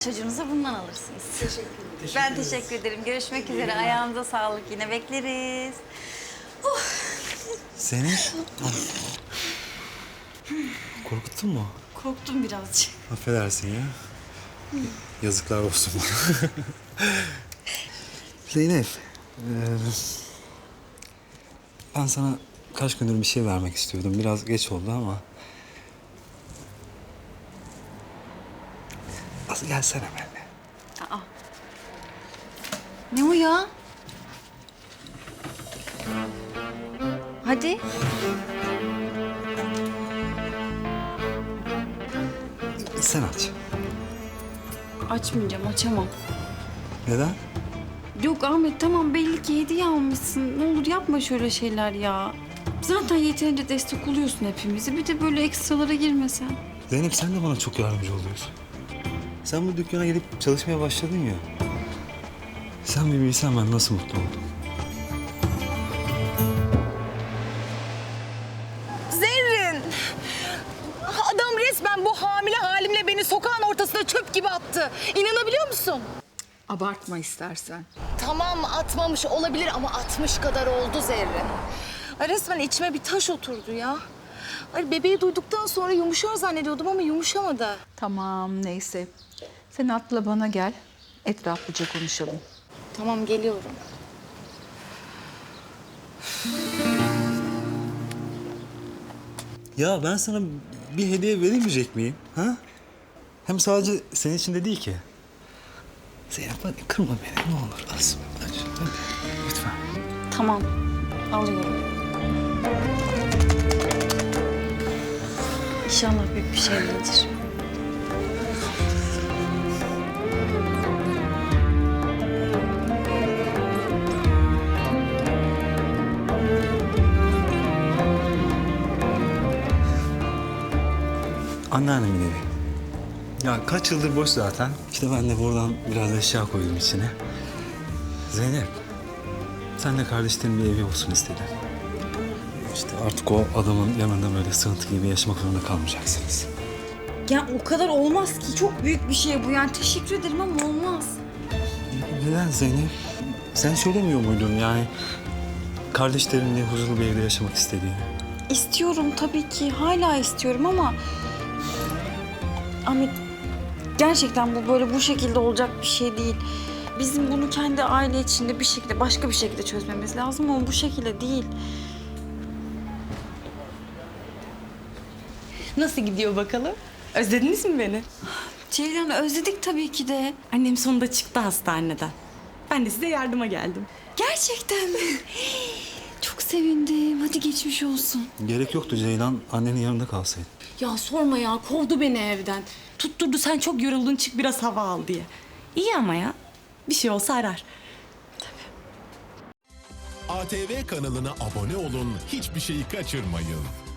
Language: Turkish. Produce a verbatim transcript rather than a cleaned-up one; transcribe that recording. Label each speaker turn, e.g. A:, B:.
A: Çocuğunuza bundan alırsınız.
B: Teşekkür ederim.
A: Ben teşekkür ederim. Görüşmek üzere. Ayağınıza sağlık. Yine bekleriz.
C: Seni korkuttun mu?
A: Korktum birazcık.
C: Affedersin ya. Yazıklar olsun bana. Zeynep, ee, ben sana kaç gündür bir şey vermek istiyordum. Biraz geç oldu ama. Az gelsene benimle.
A: Aa. Ne o ya? Hadi.
C: Sen aç.
A: Açmayacağım, açamam.
C: Neden?
A: Yok Ahmet, tamam belli ki hediye almışsın. Ne olur yapma şöyle şeyler ya. Zaten yeterince destek oluyorsun hepimizi. Bir de böyle ekstralara girmesen.
C: Zeynep sen de bana çok yardımcı oluyorsun. Sen bu dükkana gelip çalışmaya başladın ya. Sen bir bilsen ben nasıl mutlu oldum.
B: Zerrin! Adam resmen bu hamile halimle beni sokağın ortasına çöp gibi attı. İnanabiliyor musun?
D: Abartma istersen.
B: Tamam atmamış olabilir ama atmış kadar oldu Zerrin. Ay resmen içime bir taş oturdu ya. Ay bebeği duyduktan sonra yumuşar zannediyordum ama yumuşamadı.
D: Tamam neyse. Sen atla bana gel. Etraflıca konuşalım.
B: Tamam geliyorum.
C: Ya ben sana bir hediye veremeyecek miyim? Ha? Hem sadece senin için de değil ki. Zeynep hadi kırma beni ne olur. Az, hadi, hadi. Lütfen.
A: Tamam, alıyorum. İnşallah büyük bir şey değildir.
C: Anneannemin evi. Ya kaç yıldır boş zaten. İşte ben de buradan biraz eşya koydum içine. Zeynep, sen de kardeşlerin bir evi olsun istedin. İşte artık o adamın yanında böyle sığıntı gibi yaşamak zorunda kalmayacaksınız.
A: Ya o kadar olmaz ki. Çok büyük bir şey bu. Yani teşekkür ederim ama olmaz.
C: Neden Zeynep? Sen söylemiyor muydun yani kardeşlerinle huzurlu bir evde yaşamak istediğini?
A: İstiyorum tabii ki. Hala istiyorum ama... Ahmet, gerçekten bu böyle bu şekilde olacak bir şey değil. Bizim bunu kendi aile içinde bir şekilde, başka bir şekilde çözmemiz lazım ama bu şekilde değil.
E: Nasıl gidiyor bakalım? Özlediniz mi beni?
A: Ceylan, özledik tabii ki de.
E: Annem sonunda çıktı hastaneden. Ben de size yardıma geldim.
A: Gerçekten mi? Çok sevindim. Hadi geçmiş olsun.
C: Gerek yoktu Ceylan annenin yanında kalsaydı.
E: Ya sorma ya, kovdu beni evden. Tutturdu sen çok yoruldun çık biraz hava al diye. İyi ama ya. Bir şey olsa arar.
F: A T V kanalına abone olun, hiçbir şeyi kaçırmayın.